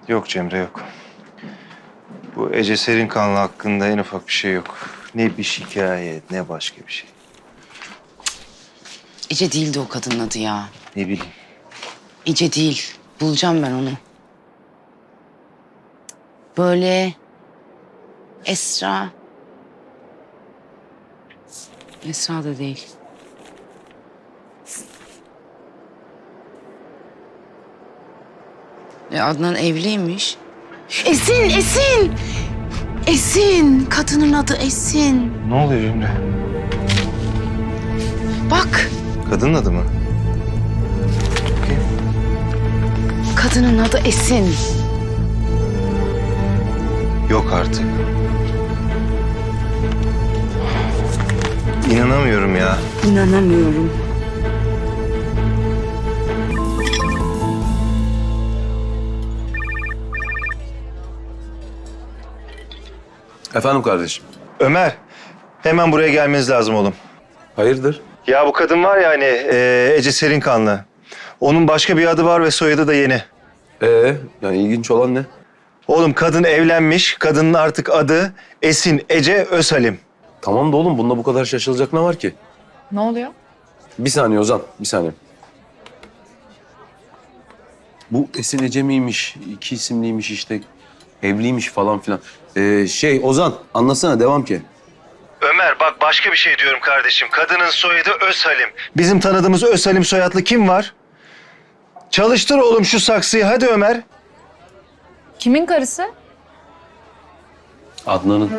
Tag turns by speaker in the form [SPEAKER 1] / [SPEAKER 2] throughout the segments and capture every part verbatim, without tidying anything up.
[SPEAKER 1] Yok Cemre yok. Bu Ece Serinkanlı hakkında en ufak bir şey yok. Ne bir şikayet ne başka bir şey.
[SPEAKER 2] Ece değildi o kadının adı ya.
[SPEAKER 1] Ne bileyim.
[SPEAKER 2] Ece değil. Bulacağım ben onu. Böyle Esra. Esra da değil. E Adnan evliymiş. Esin, Esin! Esin! Kadının adı Esin.
[SPEAKER 1] Ne oluyor Cemre?
[SPEAKER 2] Bak,
[SPEAKER 1] Kadının adı mı? Bakayım.
[SPEAKER 2] kadının adı Esin.
[SPEAKER 1] Yok artık. İnanamıyorum ya.
[SPEAKER 2] İnanamıyorum.
[SPEAKER 3] Efendim kardeşim.
[SPEAKER 1] Ömer, hemen buraya gelmeniz lazım oğlum.
[SPEAKER 3] Hayırdır?
[SPEAKER 1] Ya bu kadın var ya hani e, Ece Serinkanlı. Onun başka bir adı var ve soyadı da yeni.
[SPEAKER 3] Ee, yani ilginç olan ne?
[SPEAKER 1] Oğlum kadın evlenmiş. Kadının artık adı Esin Ece Özhalim.
[SPEAKER 3] Tamam da oğlum bunda bu kadar şaşılacak ne var ki?
[SPEAKER 4] Ne oluyor?
[SPEAKER 3] Bir saniye Ozan, bir saniye. Bu Esin Ece miymiş, iki isimliymiş işte, evliymiş falan filan. Ee, şey Ozan, anlatsana devam ki.
[SPEAKER 1] Ömer bak başka bir şey diyorum kardeşim. Kadının soyadı Özhalim. Bizim tanıdığımız Özhalim soyadlı kim var? Çalıştır oğlum şu saksıyı hadi Ömer.
[SPEAKER 4] Kimin karısı?
[SPEAKER 3] Adnan'ın.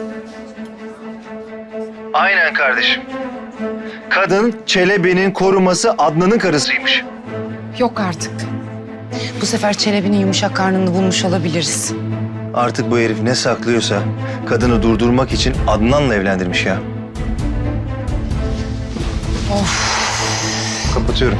[SPEAKER 1] Aynen kardeşim. Kadın Çelebi'nin koruması Adnan'ın karısıymış.
[SPEAKER 4] Yok artık.
[SPEAKER 2] Bu sefer Çelebi'nin yumuşak karnını bulmuş olabiliriz.
[SPEAKER 1] Artık bu herif ne saklıyorsa kadını durdurmak için Adnan'la evlendirmiş ya.
[SPEAKER 2] Of.
[SPEAKER 1] Kapatıyorum.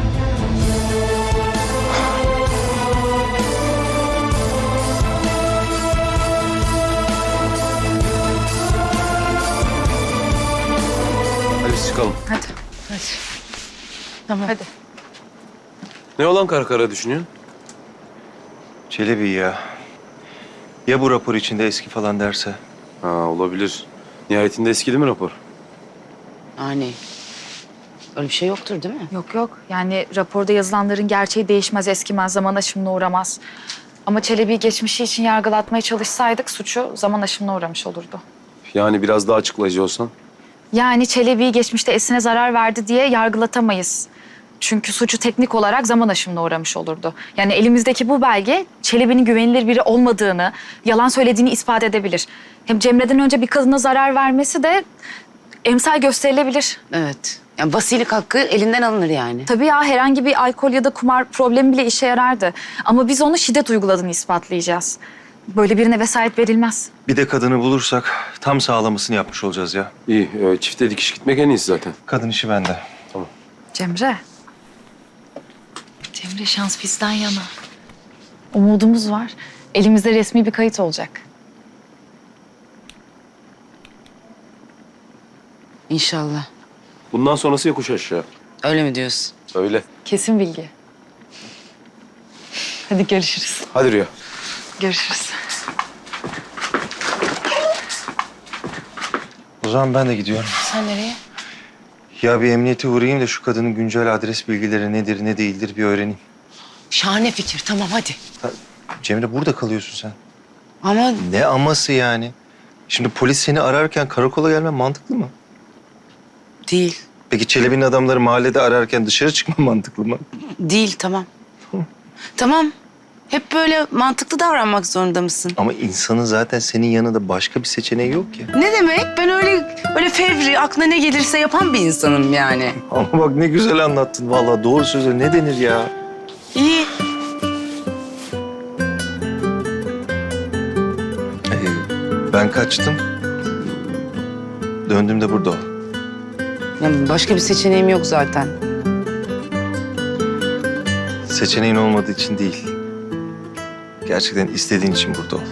[SPEAKER 3] Hadi biz çıkalım.
[SPEAKER 4] Hadi. Hadi.
[SPEAKER 2] Tamam.
[SPEAKER 4] Hadi.
[SPEAKER 3] Ne olan kara kara düşünüyorsun?
[SPEAKER 1] Çelebi ya. Ya bu rapor içinde eski falan derse?
[SPEAKER 3] Ha olabilir. Nihayetinde eskidi mi rapor?
[SPEAKER 2] Yani öyle bir şey yoktur değil mi?
[SPEAKER 4] Yok yok. Yani raporda yazılanların gerçeği değişmez, eskimez, zaman aşımına uğramaz. Ama Çelebi'yi geçmişi için yargılatmaya çalışsaydık suçu zaman aşımına uğramış olurdu.
[SPEAKER 3] Yani biraz daha açıklayıcı olsan.
[SPEAKER 4] Yani Çelebi'yi geçmişte Esin'e zarar verdi diye yargılatamayız. Çünkü suçu teknik olarak zaman aşımına uğramış olurdu. Yani elimizdeki bu belge Çelebi'nin güvenilir biri olmadığını, yalan söylediğini ispat edebilir. Hem Cemre'den önce bir kadına zarar vermesi de emsal gösterilebilir.
[SPEAKER 2] Evet. Yani vasilik hakkı elinden alınır yani.
[SPEAKER 4] Tabii ya herhangi bir alkol ya da kumar problemi bile işe yarardı. Ama biz onu şiddet uyguladığını ispatlayacağız. Böyle birine vesayet verilmez.
[SPEAKER 1] Bir de kadını bulursak tam sağlamasını yapmış olacağız ya.
[SPEAKER 3] İyi, e, çifte dikiş gitmek en iyisi zaten.
[SPEAKER 1] Kadın işi bende.
[SPEAKER 4] Cemre. Cemre şans bizden yana. Umudumuz var. Elimizde resmi bir kayıt olacak.
[SPEAKER 2] İnşallah.
[SPEAKER 3] Bundan sonrası yokuş aşağı.
[SPEAKER 2] Öyle mi diyorsun?
[SPEAKER 3] Öyle.
[SPEAKER 4] Kesin bilgi. Hadi görüşürüz.
[SPEAKER 3] Hadi Rüya.
[SPEAKER 4] Görüşürüz.
[SPEAKER 1] O zaman ben de gidiyorum.
[SPEAKER 2] Sen nereye?
[SPEAKER 1] Ya bir emniyete uğrayayım da şu kadının güncel adres bilgileri nedir ne değildir bir öğreneyim.
[SPEAKER 2] Şahane fikir. Tamam hadi.
[SPEAKER 1] Ha, Cemre burada kalıyorsun sen.
[SPEAKER 2] Ama
[SPEAKER 1] Ne aması yani? Şimdi polis seni ararken karakola gelmen mantıklı mı?
[SPEAKER 2] değil.
[SPEAKER 1] Peki Çelebi'nin adamları mahallede ararken dışarı çıkman mantıklı mı?
[SPEAKER 2] Değil tamam. Tamam. Hep böyle mantıklı davranmak zorunda mısın?
[SPEAKER 1] Ama insanın zaten senin yanında başka bir seçeneği yok ki.
[SPEAKER 2] Ne demek? Ben öyle öyle fevri, aklına ne gelirse yapan bir insanım yani.
[SPEAKER 1] Ama bak ne güzel anlattın vallahi doğru söze ne denir ya?
[SPEAKER 2] İyi.
[SPEAKER 1] Ee, ben kaçtım. Döndüğümde burada ol.
[SPEAKER 2] Yani başka bir seçeneğim yok zaten.
[SPEAKER 1] Seçeneğin olmadığı için değil. Gerçekten istediğin için burada ol.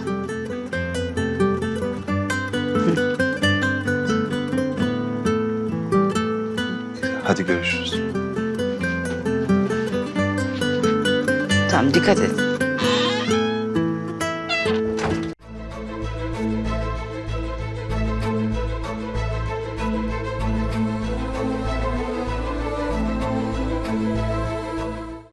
[SPEAKER 1] Hadi görüşürüz.
[SPEAKER 2] Tamam dikkat et.